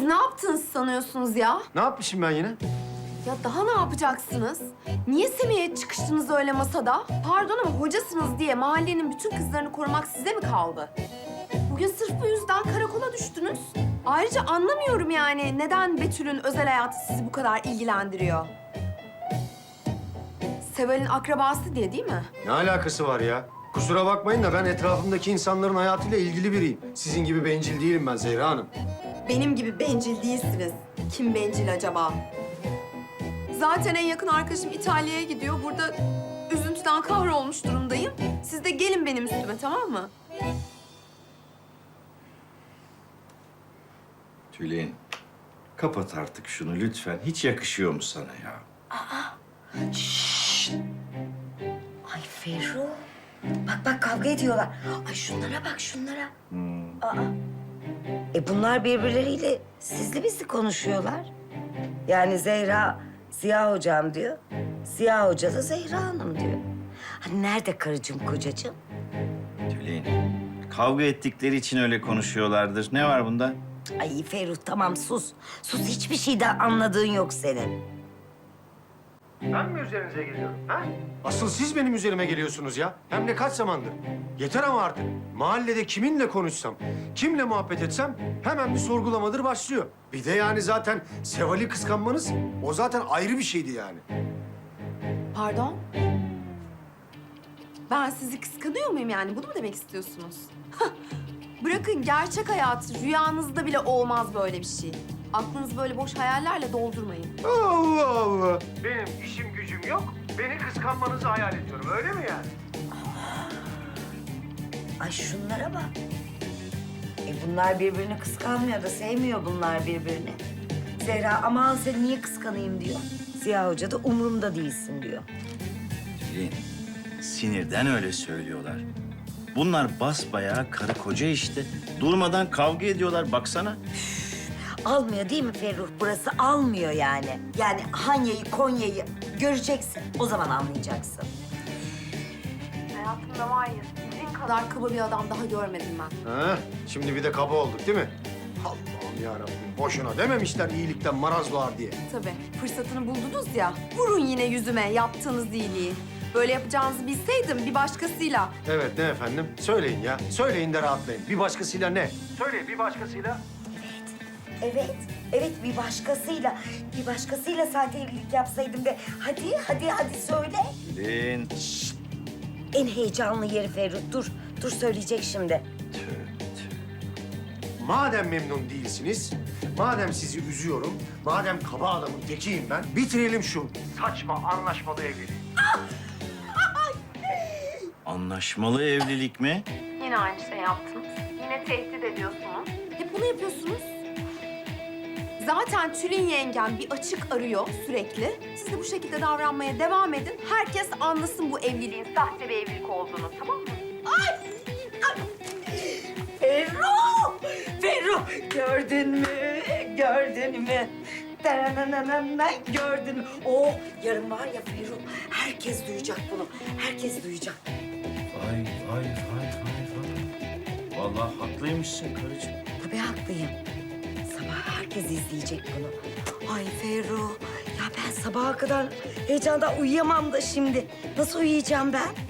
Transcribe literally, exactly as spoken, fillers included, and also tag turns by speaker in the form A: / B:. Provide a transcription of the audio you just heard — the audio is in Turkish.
A: ne yaptınız sanıyorsunuz ya?
B: Ne yapmışım ben yine?
A: Ya daha ne yapacaksınız? Niye Semih'e çıkıştınız öyle masada? Pardon ama hocasınız diye mahallenin bütün kızlarını korumak size mi kaldı? Bugün sırf bu yüzden karakola düştünüz. Ayrıca anlamıyorum yani neden Betül'ün özel hayatı sizi bu kadar ilgilendiriyor? Seval'in akrabası diye değil mi?
B: Ne alakası var ya? Kusura bakmayın da ben etrafımdaki insanların hayatıyla ilgili biriyim. Sizin gibi bencil değilim ben Zehra Hanım.
A: Benim gibi bencil değilsiniz. Kim bencil acaba? Zaten en yakın arkadaşım İtalya'ya gidiyor. Burada üzüntüden kahrolmuş durumdayım. Siz de gelin benim üstüme, tamam mı?
C: Tülin, kapat artık şunu lütfen. Hiç yakışıyor mu sana ya?
D: Ay Ferru. Bak bak kavga ediyorlar. Ay şunlara bak şunlara. Aa. E bunlar birbirleriyle sizli bizli konuşuyorlar. Yani Zehra Ziya hocam diyor. Ziya hoca da Zehra Hanım diyor. Hani nerede karıcığım kocacığım?
C: Tülin, kavga ettikleri için öyle konuşuyorlardır. Ne var bunda?
D: Ay Ferruh tamam sus. Sus hiçbir şeyden anladığın yok senin.
B: Ben mi üzerinize geliyorum ha? Asıl siz benim üzerime geliyorsunuz ya. Hem de kaç zamandır. Yeter ama artık. Mahallede kiminle konuşsam, kimle muhabbet etsem hemen bir sorgulamadır başlıyor. Bir de yani zaten Seval'i kıskanmanız o zaten ayrı bir şeydi yani.
A: Pardon? Ben sizi kıskanıyor muyum yani? Bunu mu demek istiyorsunuz? Bırakın gerçek hayat, rüyanızda bile olmaz böyle bir şey. Aklınızı böyle boş hayallerle doldurmayın.
B: Allah Allah. Benim işim gücüm yok. Beni kıskanmanızı hayal ediyorum. Öyle mi yani?
D: Ay şunlara bak. E bunlar birbirini kıskanmıyor da sevmiyor bunlar birbirini. Zehra aman seni niye kıskanayım diyor. Ziya Hoca da umurumda değilsin diyor.
C: Tülin, sinirden öyle söylüyorlar. Bunlar basbayağı karı koca işte. Durmadan kavga ediyorlar baksana.
D: Almıyor değil mi Ferruh? Burası almıyor yani. Yani Hanya'yı, Konya'yı göreceksin. O zaman anlayacaksın.
A: Hayatımda var ya, sizin kadar kaba bir adam daha görmedim ben.
B: Ha, şimdi bir de kaba olduk değil mi? Allah'ım yarabbim. Boşuna dememişler iyilikten maraz doğar diye.
A: Tabii, fırsatını buldunuz ya. Vurun yine yüzüme yaptığınız iyiliği. Böyle yapacağınızı bilseydim bir başkasıyla.
B: Evet ne efendim? Söyleyin ya. Söyleyin de rahatlayın. Bir başkasıyla ne? Söyleyin bir başkasıyla.
D: Evet, evet bir başkasıyla, bir başkasıyla sahte evlilik yapsaydım ve hadi, hadi, hadi söyle.
C: Tülin.
D: En heyecanlı yeri Ferruh. Dur, dur söyleyecek şimdi.
C: Tüh, tüh.
B: Madem memnun değilsiniz, madem sizi üzüyorum, madem kaba adamın tekiyim ben, bitirelim şu saçma anlaşmalı evliliği.
C: Anlaşmalı evlilik mi?
A: Yine aynı şey yaptınız. Yine tehdit ediyorsunuz. Hep bunu yapıyorsunuz. Zaten Tülin yengem bir açık arıyor sürekli. Siz de bu şekilde davranmaya devam edin. Herkes anlasın bu evliliğin sahte bir evlilik olduğunu, tamam mı?
D: Ferruh! Ferruh! Gördün mü? Gördün mü? Dananana, gördün mü? Oh, yarın var ya Ferruh, herkes duyacak bunu. Herkes duyacak.
C: Vay vay vay vay vay. Vallahi haklıymışsın karıcığım.
D: Tabii haklıyım. Sabah herkes izleyecek bunu. Ay Ferruh, ya ben sabaha kadar heyecandan uyuyamam da şimdi. Nasıl uyuyacağım ben?